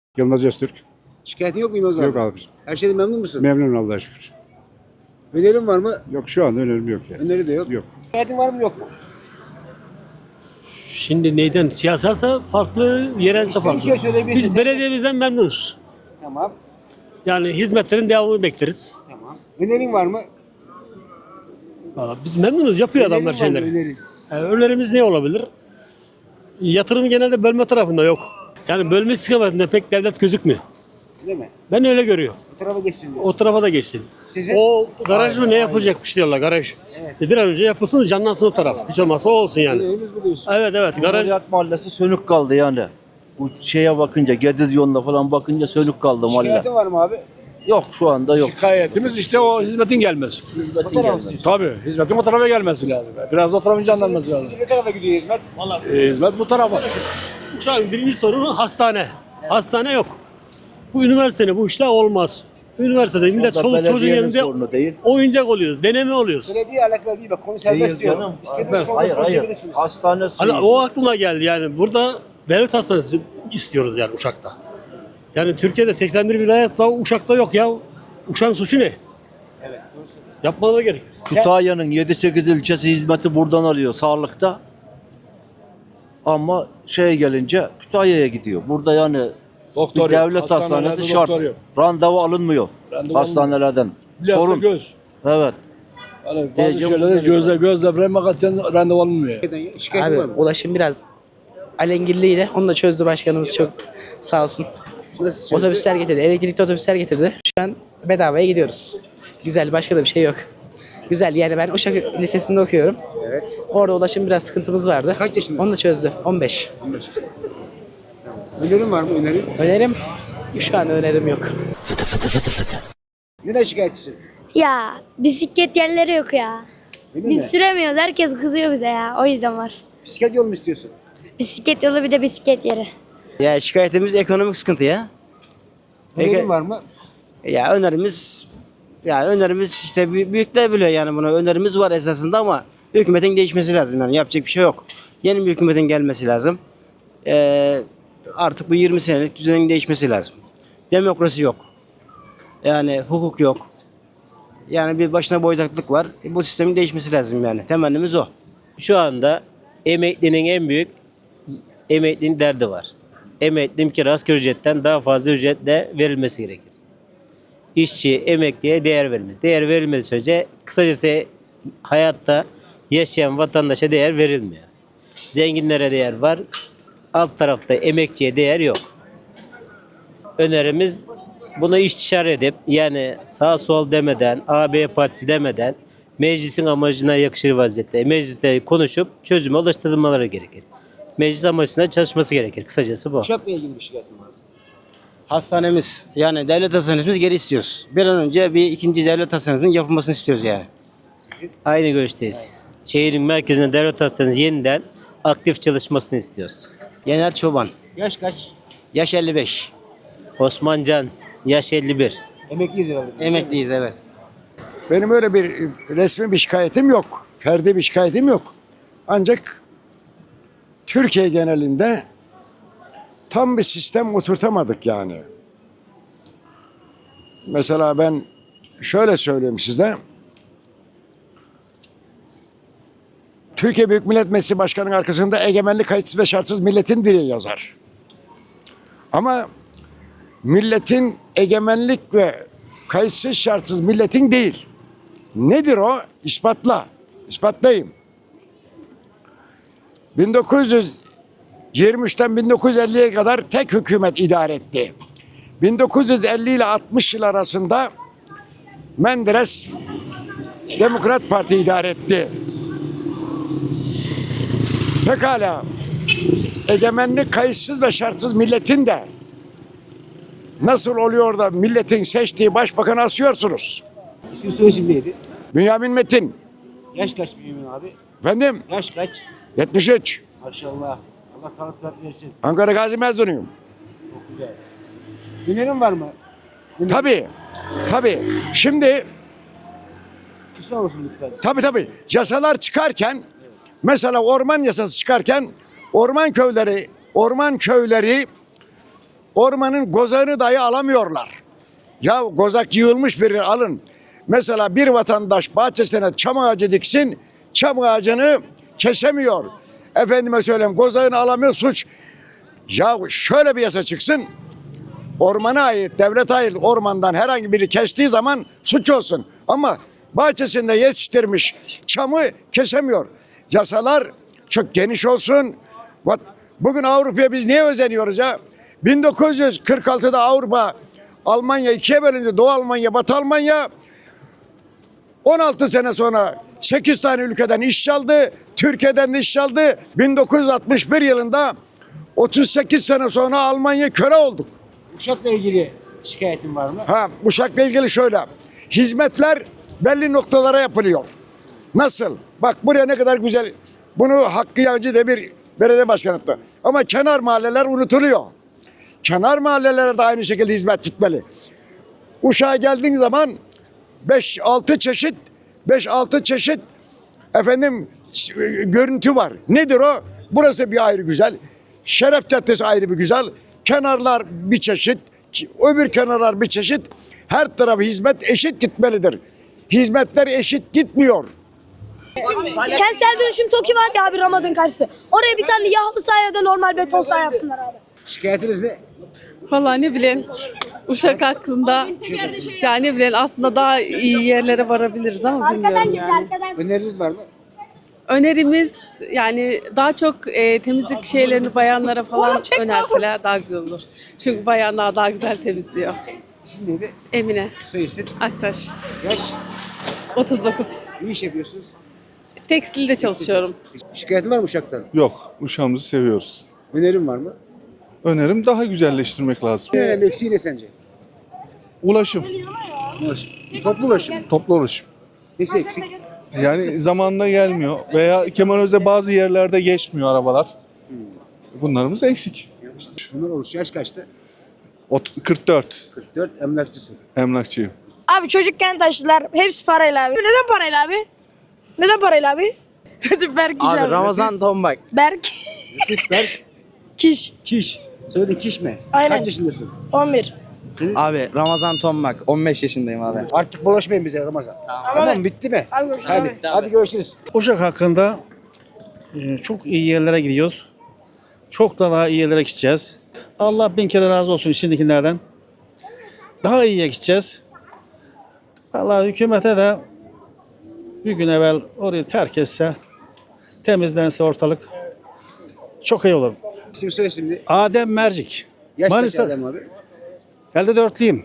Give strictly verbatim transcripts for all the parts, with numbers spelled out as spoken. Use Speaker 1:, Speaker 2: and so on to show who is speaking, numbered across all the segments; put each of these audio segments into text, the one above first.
Speaker 1: Yılmaz Öztürk.
Speaker 2: Şikayetin yok mu İmaz abi?
Speaker 1: Yok abi.
Speaker 2: Her şeyden memnun musun?
Speaker 1: Memnunum Allah'a şükür.
Speaker 2: Önerin var mı?
Speaker 1: Yok şu anda önerim yok yani.
Speaker 2: Öneri de yok.
Speaker 1: Yok.
Speaker 2: Şikayetin var mı yok mu?
Speaker 3: Şimdi neyden? Siyasalsa farklı, yerelse
Speaker 2: İşte bir
Speaker 3: farklı.
Speaker 2: şey söyleyebilirsin.
Speaker 3: Biz belediyemizden memnunuz.
Speaker 2: Tamam.
Speaker 3: Yani hizmetlerin devamını bekleriz.
Speaker 2: Tamam. Önerin var mı?
Speaker 3: Valla biz memnunuz, yapıyor
Speaker 2: Önerin
Speaker 3: adamlar
Speaker 2: var mı?
Speaker 3: şeyleri.
Speaker 2: Önerin.
Speaker 3: Yani önerimiz ne olabilir? Yatırım genelde bölme tarafında yok. Yani bölme istikametinde pek devlet gözükmüyor.
Speaker 2: Değil mi?
Speaker 3: Ben öyle görüyorum.
Speaker 2: Bu tarafa geçsin diyor.
Speaker 3: O tarafa da geçsin.
Speaker 2: Sizin?
Speaker 3: O garaj mı ne yapılacakmış diyorlar, garaj.
Speaker 2: Evet.
Speaker 3: E bir an önce yapılsın, canlansın o taraf. Hiç olmazsa o olsun yani.
Speaker 2: Önerimiz bu diyorsun.
Speaker 3: Evet evet, garaj.
Speaker 4: Cumhuriyet Mahallesi sönük kaldı yani. Bu şeye bakınca, Gediz yoluna falan bakınca sönük kaldı mahalle.
Speaker 2: Şikayetin var mı abi?
Speaker 4: Yok şu anda yok.
Speaker 5: Şikayetimiz işte o hizmetin gelmesi.
Speaker 2: O tarafa mı?
Speaker 5: Tabii hizmetin o tarafa gelmesi lazım. Biraz da o tarafın canlanması lazım.
Speaker 2: Sizin ne tarafa gidiyor hizmet?
Speaker 5: E, hizmet bu tarafa.
Speaker 3: Şu an birinci sorunu hastane. Hastane yok. Bu üniversitenin bu işler olmaz. Üniversitede millet
Speaker 4: O da
Speaker 3: çoluk çocuğun
Speaker 4: belediyenin
Speaker 3: yanında
Speaker 4: sorunu değil.
Speaker 3: oyuncak oluyoruz, deneme oluyoruz.
Speaker 2: Belediye alakalı değil bak konu serbest
Speaker 4: Değil
Speaker 2: diyor.
Speaker 4: canım.
Speaker 2: İstediğiniz
Speaker 4: Hayır,
Speaker 2: konuda
Speaker 4: hayır.
Speaker 2: konuşabilirsiniz.
Speaker 4: Hastanesi.
Speaker 3: Hani o aklıma geldi yani burada devlet hastanesi istiyoruz yani Uşak'ta. Yani Türkiye'de seksen bir vilayet var, Uşak'ta yok ya. Uşak'ın suçu ne?
Speaker 2: Evet.
Speaker 3: Yapmaları gerek.
Speaker 4: Kütahya'nın yedi sekiz ilçesi hizmeti buradan alıyor sağlıkta. Ama şey gelince Kütahya'ya gidiyor. Burada yani
Speaker 5: Doktor
Speaker 4: bir
Speaker 5: yok.
Speaker 4: devlet
Speaker 5: Hastanelerde
Speaker 4: hastanesi şart.
Speaker 5: doktor yok.
Speaker 4: Randevu alınmıyor
Speaker 5: Randevu
Speaker 4: hastanelerden.
Speaker 5: Bilhassa
Speaker 4: Sorun.
Speaker 5: göz.
Speaker 4: Evet.
Speaker 5: Hani bazı
Speaker 4: Diyeceğim
Speaker 5: şeylerde
Speaker 4: bunları
Speaker 5: gözle gözle fremakaten randevu alınmıyor.
Speaker 2: Şikayetin var
Speaker 6: Abi
Speaker 2: mı?
Speaker 6: ulaşım biraz alengirliydi. Onu da çözdü başkanımız çok sağ olsun.
Speaker 2: Nasıl çözdü?
Speaker 6: Otobüsler getirdi. Elektrikli otobüsler getirdi. Şu an bedavaya gidiyoruz. Güzel, başka da bir şey yok. Güzel, yani ben Uşak Lisesi'nde okuyorum.
Speaker 2: Evet.
Speaker 6: Orada ulaşım biraz sıkıntımız vardı.
Speaker 2: Kaç yaşındasın?
Speaker 6: Onu da çözdü. on beş.
Speaker 2: Önerin var mı önerin?
Speaker 6: Önerim? Şu an önerim yok.
Speaker 2: Neden şikayetçisin?
Speaker 7: Ya bisiklet yerleri yok ya.
Speaker 2: Öyle
Speaker 7: Biz
Speaker 2: mi?
Speaker 7: süremiyoruz. Herkes kızıyor bize ya. O yüzden var.
Speaker 2: Bisiklet yolu mu istiyorsun?
Speaker 7: Bisiklet yolu bir de bisiklet yeri.
Speaker 8: Ya şikayetimiz ekonomik sıkıntı ya.
Speaker 2: Önerin
Speaker 8: Peki.
Speaker 2: var mı?
Speaker 8: Ya önerimiz yani önerimiz işte büy- büyükler biliyor yani bunu. Önerimiz var esasında ama hükümetin değişmesi lazım yani yapacak bir şey yok. Yeni bir hükümetin gelmesi lazım. Ee, artık bu yirmi senelik düzenin değişmesi lazım. Demokrasi yok. Yani hukuk yok. Yani bir başına boydaklık var. E, bu sistemin değişmesi lazım yani. Temennimiz o.
Speaker 9: Şu anda emeklinin en büyük emeklinin derdi var. Emeklinin ki asgari ücretten daha fazla ücretle verilmesi gerekir. İşçi, emekliye değer verilmez. Değer verilmediği sürece kısacası hayatta yaşayan vatandaşa değer verilmiyor. Zenginlere değer var. Alt tarafta emekçiye değer yok. Önerimiz bunu istişare edip yani sağ sol demeden, A B partisi demeden meclisin amacına yakışır vaziyette mecliste konuşup çözüme ulaştırılmaları gerekir. Meclis amacına çalışması gerekir. Kısacası bu.
Speaker 2: Uşak'la ilgili bir şikayetin var.
Speaker 8: Hastanemiz yani devlet hastanesimiz geri istiyoruz. Bir an önce bir ikinci devlet hastanesinin yapılmasını istiyoruz yani.
Speaker 9: Aynı görüşteyiz. Şehrin merkezinde devlet hastanesi yeniden aktif çalışmasını istiyoruz.
Speaker 8: Yener Çoban.
Speaker 2: Yaş kaç?
Speaker 8: Yaş elli beş.
Speaker 9: Osman Can, yaş elli bir.
Speaker 2: Emekliyiz herhalde.
Speaker 8: Emekliyiz evet.
Speaker 10: Benim öyle bir resmi bir şikayetim yok. Ferdi bir şikayetim yok. Ancak Türkiye genelinde tam bir sistem oturtamadık yani. Mesela ben şöyle söyleyeyim size. Türkiye Büyük Millet Meclisi Başkanı'nın arkasında egemenlik kayıtsız ve şartsız milletin direği yazar. Ama milletin egemenlik ve kayıtsız şartsız milletin değil. Nedir o? İspatla. İspatlayayım. bin dokuz yüz yirmi üçten bin dokuz yüz elliye kadar tek hükümet idare etti. bin dokuz yüz elli ile altmış yıl arasında Menderes Demokrat Parti idare etti. Pekala. Egemenlik kayıtsız ve şartsız milletin de nasıl oluyor da milletin seçtiği başbakanı asıyorsunuz?
Speaker 2: İsim soyisim neydi?
Speaker 10: Bünyamin Metin.
Speaker 2: Yaş kaç Bünyamin abi?
Speaker 10: Efendim?
Speaker 2: Yaş kaç?
Speaker 10: yetmiş üç.
Speaker 2: Maşallah. Allah sana sıhhat versin.
Speaker 10: Ankara Gazi mezunuyum.
Speaker 2: Çok güzel. Önerin var mı? Önerin.
Speaker 10: Tabii. Tabii. Şimdi
Speaker 2: Kısa olsun lütfen.
Speaker 10: tabii tabii yasalar çıkarken mesela orman yasası çıkarken orman köyleri orman köyleri ormanın gozağını dahi alamıyorlar. Ya gozak yığılmış birini alın. Mesela bir vatandaş bahçesine çam ağacı diksin, çam ağacını kesemiyor. Efendime söyleyeyim, gozağını alamıyor, suç. Ya şöyle bir yasa çıksın, ormana ait, devlete ait ormandan herhangi biri kestiği zaman suç olsun. Ama bahçesinde yetiştirmiş çamı kesemiyor. Yasalar çok geniş olsun. Bugün Avrupa'ya biz niye özeniyoruz ya? bin dokuz yüz kırk altıda Avrupa, Almanya ikiye bölündü. Doğu Almanya, Batı Almanya. on altı sene sonra sekiz tane ülkeden iş çaldı. Türkiye'den de iş çaldı. bin dokuz yüz altmış bir yılında otuz sekiz sene sonra Almanya köle olduk.
Speaker 2: Uşak'la ilgili şikayetin var mı?
Speaker 10: Ha, Uşak'la ilgili şöyle. Hizmetler belli noktalara yapılıyor. Nasıl? Bak buraya ne kadar güzel. Bunu Hakkı Yağcı de bir belediye başkanı yaptı. Ama kenar mahalleler unutuluyor. Kenar mahallelere de aynı şekilde hizmet gitmeli. Uşak'a geldiğin zaman beş altı çeşit beş altı çeşit efendim görüntü var. Nedir o? Burası bir ayrı güzel. Şeref Caddesi ayrı bir güzel. Kenarlar bir çeşit, öbür kenarlar bir çeşit. Her tarafı hizmet eşit gitmelidir. Hizmetler eşit gitmiyor.
Speaker 11: Kentsel dönüşüm TOKİ var ya abi Ramazan karşısı. Oraya bir tane ya halı saha ya da normal beton saha yapsınlar abi.
Speaker 2: Şikayetiniz ne?
Speaker 12: Vallahi ne bileyim Uşak hakkında yani ne bileyim aslında daha iyi yerlere varabiliriz ama bilmiyorum yani.
Speaker 2: Öneriniz var mı?
Speaker 12: Önerimiz yani daha çok e, temizlik şeylerini bayanlara falan önerseler daha güzel olur. Çünkü bayanlar daha güzel temizliyor.
Speaker 2: İsim neydi?
Speaker 12: Emine
Speaker 2: Soy isim?
Speaker 12: Aktaş,
Speaker 2: Yaş?
Speaker 12: otuz dokuz.
Speaker 2: Ne iş yapıyorsunuz?
Speaker 12: Tekstilde çalışıyorum.
Speaker 2: Şikayetin var mı Uşak'tan?
Speaker 1: Yok. Uşağımızı seviyoruz.
Speaker 2: Önerin var mı?
Speaker 1: Önerim daha güzelleştirmek lazım.
Speaker 2: En önemli eksiği ne sence?
Speaker 1: Ulaşım.
Speaker 2: Ulaşım. Toplu ulaşım.
Speaker 1: Toplu ulaşım.
Speaker 2: Nesi eksik?
Speaker 1: Yani zamanında gelmiyor veya Kemalöz'de bazı yerlerde geçmiyor arabalar. Bunlarımız eksik.
Speaker 2: Bunlar oluşu. Yaş kaçtı?
Speaker 1: Ot- kırk dört.
Speaker 2: kırk dört. Emlakçısın.
Speaker 1: Emlakçıyım.
Speaker 11: Abi çocukken taşıdılar. Hepsi parayla abi. Neden parayla abi? Neden parayla abi? Berk iş abi.
Speaker 8: Abi Ramazan Tombak.
Speaker 11: Berk.
Speaker 2: Berk.
Speaker 11: Kiş.
Speaker 2: Kiş. Soyadın Kiş mi?
Speaker 11: Aynen.
Speaker 2: Kaç yaşındasın?
Speaker 11: on bir.
Speaker 8: Abi Ramazan Tombak. on beş yaşındayım abi.
Speaker 2: Artık bulaşmayın bize Ramazan. Tamam, bitti mi?
Speaker 11: Abi görüşürüz
Speaker 2: Hadi.
Speaker 11: abi.
Speaker 2: Hadi görüşürüz.
Speaker 5: Uşak hakkında e, çok iyi yerlere gidiyoruz. Çok da daha iyi yerlere gideceğiz. Allah bin kere razı olsun şimdikilerden. Daha iyiye gideceğiz. Allah hükümete de bir gün evvel orayı terk etse, temizlense ortalık çok iyi olur.
Speaker 2: İsim söyle şimdi.
Speaker 5: Adem Mercik.
Speaker 2: Yaş kaç
Speaker 5: Manisa-
Speaker 2: adam abi?
Speaker 5: elli dörtlüyüm.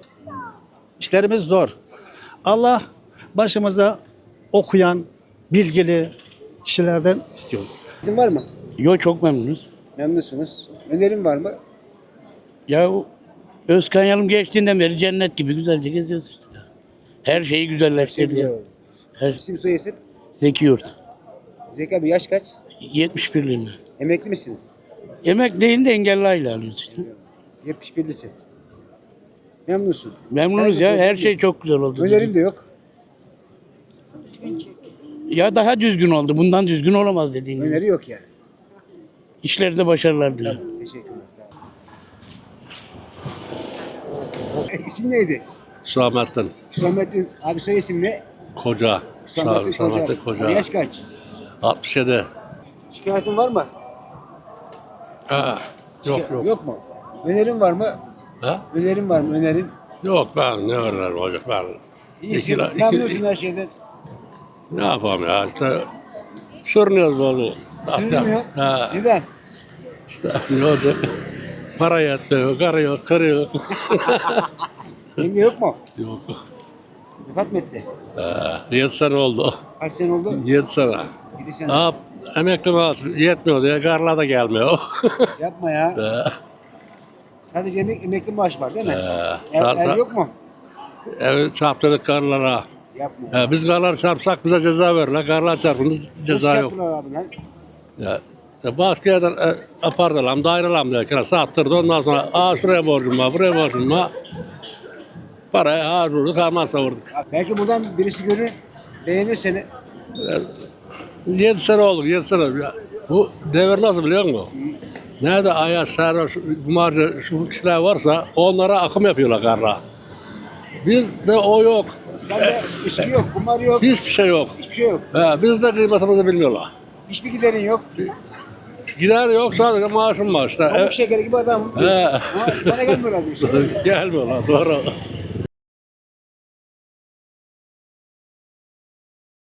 Speaker 5: İşlerimiz zor. Allah başımıza okuyan, bilgili kişilerden istiyor.
Speaker 2: Önerin var mı?
Speaker 13: Yok çok memnunuz.
Speaker 2: Memnunsunuz. Önerin var mı?
Speaker 13: Ya Özkan Yalım geçtiğinden beri cennet gibi güzelce geziyoruz işte. Her şeyi güzelleştirdi. Her
Speaker 2: İsim soy isim.
Speaker 13: Zeki Yurt.
Speaker 2: Zeki abi yaş kaç?
Speaker 13: yetmiş birliğinde.
Speaker 2: Emekli misiniz?
Speaker 13: Emekliğini de engelli aile alıyoruz işte.
Speaker 2: yetmiş birlisin. Memnunsun.
Speaker 13: Memnunuz ya. Her şey çok güzel oldu.
Speaker 2: Önerim de yok.
Speaker 13: Ya daha düzgün oldu. Bundan düzgün olamaz dediğim gibi.
Speaker 2: Öneri yok yani.
Speaker 13: İşlerde başarılar diliyorum.
Speaker 2: Teşekkürler. Sağ olun. İsim neydi?
Speaker 3: Hüsamettin
Speaker 2: Hüsamettin abi soy isim ne?
Speaker 3: Koca.
Speaker 2: Hüsamettin
Speaker 3: Hüsamettin
Speaker 2: Koca. Yaş kaç?
Speaker 3: altmış yedi.
Speaker 2: Şikayetin var mı?
Speaker 3: Ha, yok yok.
Speaker 2: Yok mu? Önerin var mı?
Speaker 3: Ha?
Speaker 2: Önerin var mı? Önerin.
Speaker 3: Yok ben ne öğrenirim hocam ben.
Speaker 2: İyisin.
Speaker 3: İki- iki-
Speaker 2: Memnunsun her şeyden.
Speaker 3: Ne yapalım ya işte sürünüyoruz böyle.
Speaker 2: Sürünmüyor.
Speaker 3: Ha,
Speaker 2: Neden?
Speaker 3: ne olacak? Para yatıyor, karı yok, karı yok.
Speaker 2: Yenge yok mu?
Speaker 3: Yok.
Speaker 2: Vefat mı etti?
Speaker 3: Ha, yedi sene oldu.
Speaker 2: Kaç sene oldu?
Speaker 3: Yedi sene.
Speaker 2: yedi sene.
Speaker 3: Ne yap? Emekli maaşı yetmiyor diye karla da gelmiyor.
Speaker 2: Yapma ya.
Speaker 3: Ha,
Speaker 2: Sadece emek, emekli maaş var değil mi?
Speaker 3: ha,
Speaker 2: Ev,
Speaker 3: sa-
Speaker 2: ev
Speaker 3: sa-
Speaker 2: yok mu?
Speaker 3: Evi çarptırdık karlara.
Speaker 2: Yapma. ya.
Speaker 3: Ha, biz karlar çarpsak bize ceza verirler. Karlar çarpınız ceza
Speaker 2: Nasıl
Speaker 3: yok.
Speaker 2: yaptılar abi lan?
Speaker 3: Ya, ya başka yerden e, apardılar, dairelerim diye kira sattırdı. Ondan sonra aa şuraya borcum var, buraya borcum var. Parayı harcadık, harman savurduk.
Speaker 2: Belki buradan birisi görür, beğenir seni.
Speaker 3: Yedi sene oldu, yedi sene. Ya, bu devir nasıl biliyor musun? Nerede ayaz, sarhoş, kumarcı, şu kişiler varsa onlara akım yapıyorlar karla. Bizde o yok.
Speaker 2: Sende içki yok, kumar yok,
Speaker 3: Hiçbir şey yok.
Speaker 2: hiçbir şey yok.
Speaker 3: He, bizde kıymetimizi bilmiyorlar.
Speaker 2: Hiçbir giderin yok.
Speaker 3: Gider yok, sadece maaşım var işte.
Speaker 2: Pamuk şekeri gibi adam.
Speaker 3: He.
Speaker 2: Ha, bana gelmiyorlar diyorsun.
Speaker 3: Gelmiyorlar, doğru.